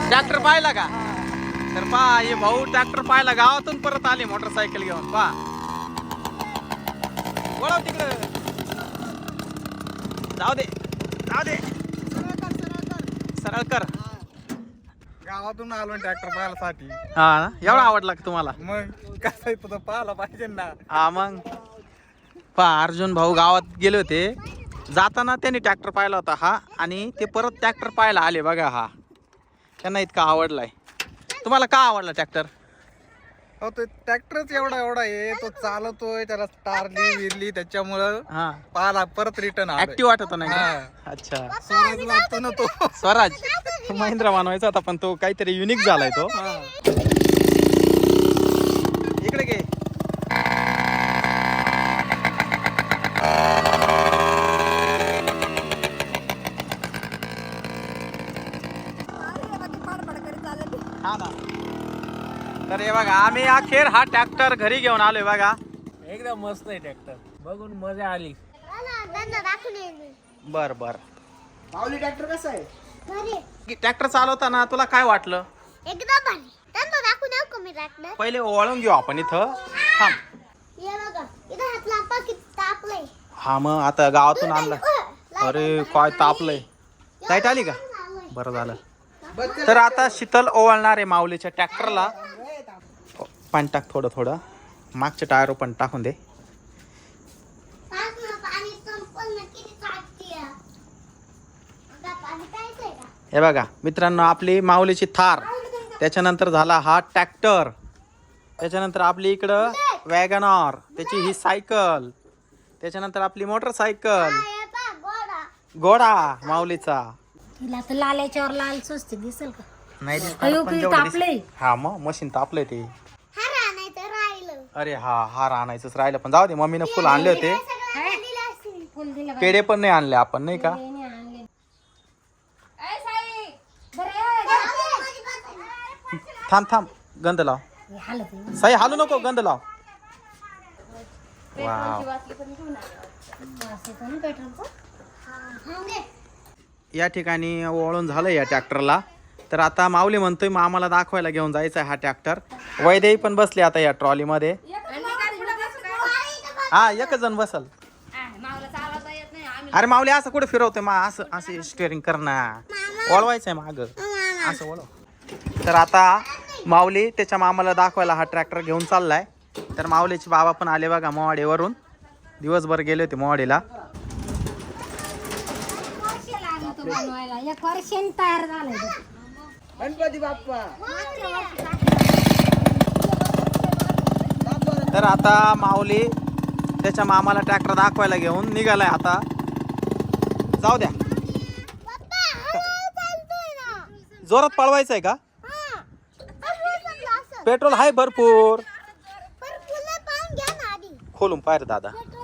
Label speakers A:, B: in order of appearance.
A: Tractor पाहिला का? तर पहा हे भाऊ ट्रॅक्टर पाहिला, गावातून परत आले मोटरसायकल घेऊन. पहा वळव तिकडे, जाऊ दे जाऊ दे, सरळ कर.
B: गावातून आलो ट्रॅक्टर पाहायसाठी.
A: हा ना, एवढा आवडला का तुम्हाला?
B: मग कसं तुझं पाहायला पाहिजे ना.
A: हा मग पहा अर्जुन भाऊ गावात गेले होते, जाताना त्यांनी ट्रॅक्टर पाहिला होता हा, आणि ते परत ट्रॅक्टर पाहायला आले बघा. हा त्यांना इतका आवडलाय. तुम्हाला का आवडला ट्रॅक्टर?
B: हो तो ट्रॅक्टरच एवढा आहे, तो चालवतोय, त्याला स्टारली विरली, त्याच्यामुळं
A: हा
B: पाहायला परत रिटर्न
A: ऍक्टिव्ह वाटत नाही का?
B: हा.
A: अच्छा,
B: स्वराज लागतो ना तो.
A: स्वराज महिंद्रा मानवायचा होता, पण तो काहीतरी युनिक झालाय तो. इकडे घे. हा ना. तर हे बघा आम्ही अखेर हा ट्रॅक्टर घरी घेऊन आलोय बघा.
C: एकदम मस्त आहे ट्रॅक्टर, बघून मजा आली.
A: बर बर.
B: माऊली ट्रॅक्टर कसं आहे?
A: ट्रॅक्टर चालवताना तुला काय वाटलं?
D: एकदम भारी. त्यांना दाखवून येऊ का मी ट्रॅक्टर?
A: पहिले ओळून घेऊ आपण इथं. थांब.
D: हे बघा, इथं हात लांबा किती तापलंय.
A: हा मग आता गावातून आणलं. अरे काय तापलंय. लाईट आली का? बरं झालं. तर आता शीतल ओवाळणार आहे माऊलीच्या ट्रॅक्टरला. पाणी टाक थोडं थोडं, मागच्या टायर पण टाकून दे.
D: पाणी संपलं ना, किती तापतीये. आता पाणी प्यायचंय का?
A: हे बघा मित्रांनो, आपली माऊलीची थार, त्याच्यानंतर झाला हा ट्रॅक्टर, त्याच्यानंतर आपली इकडं वॅगनॉर, त्याची ही सायकल, त्याच्यानंतर आपली मोटरसायकल,
D: हे पहा, घोडा.
A: घोडा माऊलीचा.
E: तिला तर लाल याच्यावर लाल स्वस्त दिसेल का?
A: नाही दिसणार,
E: अयो,
A: पण
E: किती
A: जेवढं
E: तापलंय.
A: दिसेल. हा मग मशीन तापलंय ते.
D: हा राहण्याचं राहिलं.
A: अरे हा हार आणायचंच राहिलं, पण जाऊ दे, मम्मीनं फुल आणले होते.
D: सगळ्यांना दिलं असेल.
E: फुल दिलं का?
A: पेढे पण नाही आणले आपण, नाही का?
E: पेढे नाही आणले.
A: थांब थांब, गंध लाव.
E: हे हालत आहे.
A: साई हालू नको, गंध लाव. वाव.
E: असं पण पेट्रोलचं.
D: हा, घे.
A: या ठिकाणी वळून झालं या ट्रॅक्टरला. तर आता माऊली म्हणतोय मग आम्हाला दाखवायला घेऊन जायचा आहे हा ट्रॅक्टर. वैदेही पण बसले आता या ट्रॉलीमध्ये. हा एकच जण बसल. अरे माऊली असं कुठे फिरवतोय मा, असं असं स्टिअरिंग कर ना, वळवायचंय माग, असं वळव. तर आता माऊली त्याच्या मामाला दाखवायला हा ट्रॅक्टर घेऊन चाललाय. तर माऊलीचे बाबा पण आले बघा मोवाडीवरून, दिवसभर गेले होते मोवाडीला.
E: बनवायला एक वर्षाने तयार झालंय ते.
B: गणपती बाप्पा.
A: तर आता माऊली त्याच्या मामाला ट्रॅक्टर दाखवायला घेऊन निघालाय. आता जाऊ द्या,
D: पप्पा, हळूहळू चालतोय ना.
A: जोरात पळवायचंय का?
D: हा. हळूहळू चाललं असं.
A: पेट्रोल आहे भरपूर.
D: पण फुलं पाहून घ्या ना आधी.
A: खोलून पाहिजे दादा.